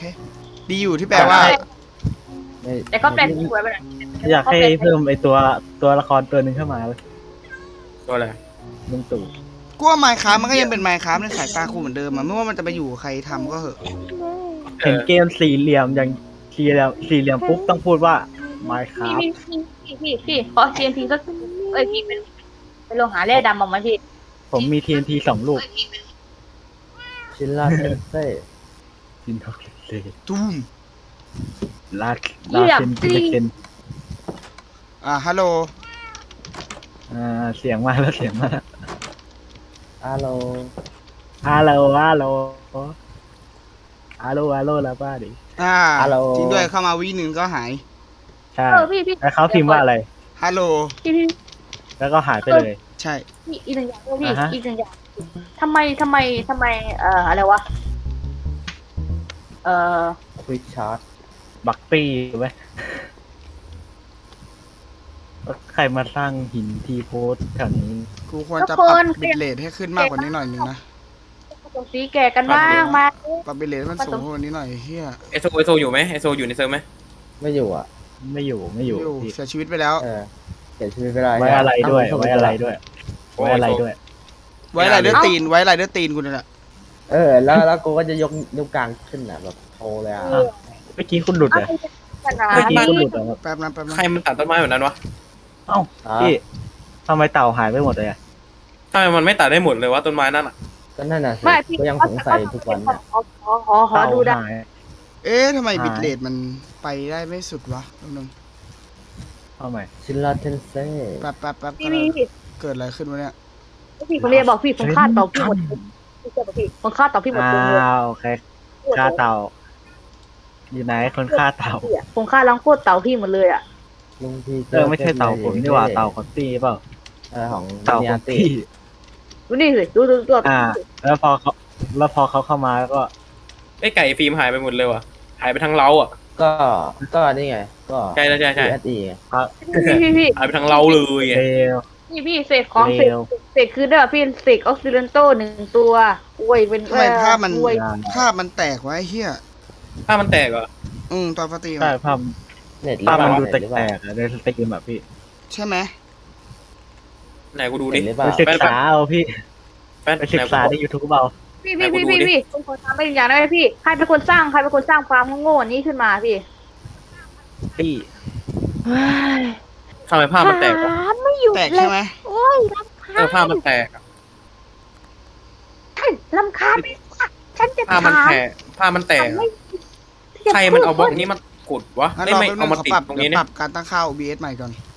ดีอยู่ที่แปลว่าแต่ก็แปลกสวยไปหน่อยอยากให้เพิ่มไอตัวละครตัวหนึ่งเข้ามาเลยตัวอะไรลุงตู่กูว่าไมค์คราฟมันก็ยังเป็นไมค์คราฟในสายตากูเหมือนเดิมอะไม่ว่ามันจะไปอยู่กับใครทำก็เหอะเห็นเกมสี่เหลี่ยมอย่างสี่เหลี่ยมปุ๊บต้องพูดว่า Minecraft พี่ขอ TNT สักพี่เป็นโลหะแร่ดำออกมาพี่ผมมี TNT 2 ลูกชินลาเทนเซ่จินทอกเซตูมลาเซนกิเลนฮัลโหลเสียงมาแล้วเสียงมาแล้วอาโลฮัลโหลแล้วป้าดิจริงด้วยเข้ามาวิหนึ่งก็หายใช่พี่แล้วเขาพิมพ์ว่าอะไรฮัลโหลพี่แล้วก็หายไปเลยใช่อีกหนึ่งอย่างพี่อ่าฮะอีกหนึ่งอย่างทำไมอะไรวะควิกชาร์ตบักปี้ไหมใครมาสร้างหินทีโพสแถวนี้กูควรจะปรับบิตเรทให้ขึ้นมากกว่านี้หน่อยนึงนะผสมสีแก่กันบ้างมาปรับบิตเรทให้มันสูงกว่านี้หน่อยเฮียไอโซอยู่ไหมไอโซอยู่ในเซิร์ฟไหมไม่อยู่อ่ะไม่อยู่พี่เสียชีวิตไปแล้วเสียชีวิตไปแล้วไว้อะไรด้วยไว้อะไรด้วยไว้ไรเดอร์ตีนกูนี่แหละแล้วกูก็จะยกกลางขึ้นอ่ะแบบโทรเลยอ่ะเมื่อกี้คุณหลุดเหรอขนาดเมื่อกี้นี้คุณหลุดเหรอครับแป๊บนะใครมันตัดต้นไม้แบบนั้นวะเอ้าพี่ทำไมเต่าหายไปหมดเลยอะทำไมมันไม่ตัดได้หมดเลยวะต้นไม้นั่นอ่ะก็นั่นน่ะสิไม่พี่ก็ยังสงสัยทุกวันเนี่ยขอดูได้เต่าหายทำไมบิตเรทมันไปได้ไม่สุดวะนึงเอาใหม่ชินลาเทนเซ่แป๊บพี่เกิดอะไรขึ้นวะเนี่ยผมเรียนบอกพี่ผมฆ่าเต่าพี่หมดพี่ผมฆ่าเต่าพี่หมดตัวเลยโอเคฆ่าเต่าอยู่ไหนคนฆ่าเต่าผมฆ่าล้างโคตรเต่าพี่หมดเลยอ่ะลุงพี่ไม่ใช่เต่าผมนี่หว่าเต่าคอตตี้เปล่าของเต่าคอตตี้ดูนี่สิดูแล้วพอเขาเข้ามาก็ไอไก่ฟิล์มหายไปหมดเลยว่ะหายไปทั้งเล้าอ่ะก็นี่ไงก็ใช่ SE ไงพี่หายไปทั้งเล้าเลยไงเลวพี่เศษของเศษคือเด้อพี่เศษออกซิเลนโต1 ตัวอวยเป็นทำไมภาพมันแตกวะเฮียถ้ามันแตกเหรอตอนฟตีใช่ภาพเน็ตมันดูแตหรือเปกล่าๆอะในสตรีมแบบพี่ใช่ไหมไหนกูดูเน็ดิตหรือเปล่าไปศึกษาเอาพี่แป๊บไปศึกษาใน YouTube เอาพี่ผมขอถามไปอีกอย่างได้ไหมพี่ใครเป็นคนสร้างฟาร์มโง่ๆนี้ขึ้นมาพี่พี่ทำไมภาพมันแตกวะไม่อยู่แตกใช่ไหมโอ้ยรำคาญภาพมันแตกอะรำคาญไปฉันจะภาพมันแตกภาพมันแตกอะใครมันเอาบล็อกนี้มากดวะงั้นไม่รอไม่แป๊บนึเอางมาขอติดปรับตรงเดี๋นี้ยวปเนี่ยรับการตั้งค่า OBS ใหม่ก่อน